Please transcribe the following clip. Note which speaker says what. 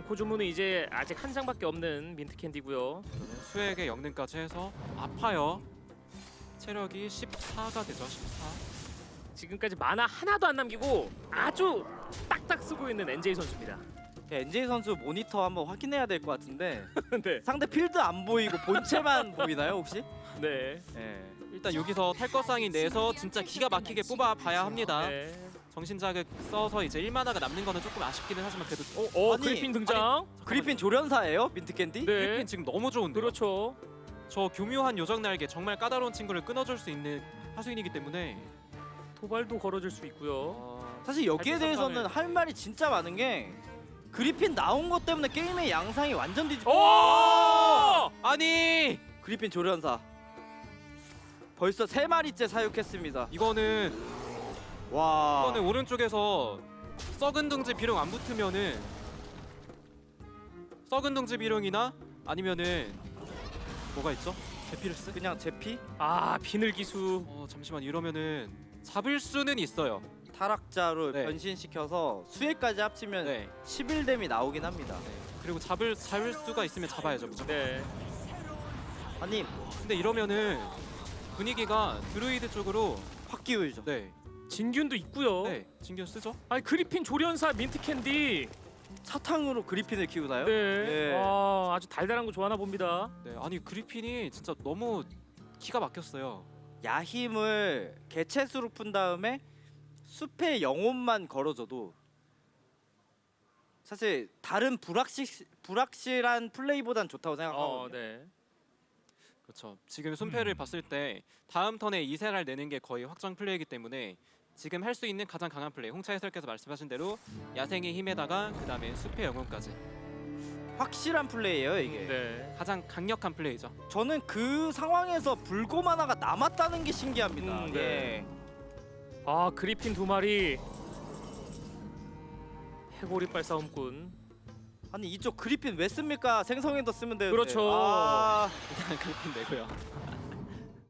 Speaker 1: 코주무는 이제 아직 한 장밖에 없는 민트 캔디고요.
Speaker 2: 수액의 영능까지 해서 아파요. 체력이 14가 되죠. 14.
Speaker 1: 지금까지 만화 하나도 안 남기고 아주 딱딱 쓰고 있는 NJ 선수입니다.
Speaker 3: NJ 선수 모니터 한번 확인해야 될 것 같은데
Speaker 1: 네.
Speaker 3: 상대 필드 안 보이고 본체만 보이나요 혹시?
Speaker 1: 네.
Speaker 3: 네.
Speaker 2: 일단 여기서 탈거상이 내서 진짜 기가 막히게 뽑아봐야 합니다.
Speaker 1: 네.
Speaker 2: 정신자극 써서 이제 1만화가 남는 거는 조금 아쉽기는 하지만 그래도
Speaker 3: 아니,
Speaker 1: 그리핀 등장.
Speaker 3: 그리핀 조련사예요 민트 캔디?
Speaker 1: 네.
Speaker 2: 그리핀 지금 너무 좋은데요.
Speaker 1: 그렇죠.
Speaker 2: 저 교묘한 요정 날개 정말 까다로운 친구를 끊어줄 수 있는 하수인이기 때문에
Speaker 1: 도발도 걸어줄 수 있고요.
Speaker 3: 사실 여기에
Speaker 1: 달빛
Speaker 3: 대해서는
Speaker 1: 선상을-
Speaker 3: 할 말이 진짜 많은 게 그리핀 나온 것 때문에 게임의 양상이 완전 뒤집.
Speaker 1: 오!
Speaker 2: 아니
Speaker 3: 그리핀 조련사 벌써 3마리째 사육했습니다.
Speaker 2: 이거는
Speaker 3: 와.
Speaker 2: 오른쪽에서 썩은 둥지 비룡 안 붙으면은 썩은 둥지 비룡이나 아니면은 뭐가 있죠? 제피르스?
Speaker 3: 그냥 제피
Speaker 1: 비늘 기수.
Speaker 2: 잠시만 이러면은 잡을 수는 있어요.
Speaker 3: 타락자로
Speaker 2: 네.
Speaker 3: 변신시켜서 수혜까지 합치면
Speaker 2: 네.
Speaker 3: 11뎀이 나오긴 합니다.
Speaker 2: 그리고 잡을 수가 있으면 잡아야죠 무조건.
Speaker 1: 네.
Speaker 3: 아니
Speaker 2: 근데 이러면은 분위기가 드루이드 쪽으로
Speaker 3: 확 기울죠.
Speaker 2: 네,
Speaker 1: 진균도 있고요.
Speaker 2: 네 진균 쓰죠.
Speaker 1: 아니 그리핀 조련사 민트 캔디.
Speaker 3: 사탕으로 그리핀을 키우나요?
Speaker 1: 네.
Speaker 3: 예.
Speaker 1: 아주 달달한 거 좋아하나 봅니다.
Speaker 2: 네, 아니 그리핀이 진짜 너무 기가 막혔어요.
Speaker 3: 야힘을 개체수로 푼 다음에 숲의 영혼만 걸어줘도 사실 다른 불확실한 플레이보단 좋다고 생각하거든요.
Speaker 1: 네.
Speaker 2: 그렇죠. 지금 손패를 봤을 때 다음 턴에 이세랄 내는 게 거의 확정 플레이이기 때문에 지금 할 수 있는 가장 강한 플레이 홍차 해설께서 말씀하신 대로 야생의 힘에다가 그 다음에 숲의 영혼까지
Speaker 3: 확실한 플레이예요 이게.
Speaker 1: 네.
Speaker 2: 가장 강력한 플레이죠.
Speaker 3: 저는 그 상황에서 불곰 하나가 남았다는 게 신기합니다.
Speaker 1: 네.
Speaker 3: 예.
Speaker 1: 그리핀 2마리. 해골이빨 싸움꾼.
Speaker 3: 아니 이쪽 그리핀 왜 씁니까? 생성에도 쓰면 되는데.
Speaker 1: 그렇죠.
Speaker 2: 일단 그리핀 내고요.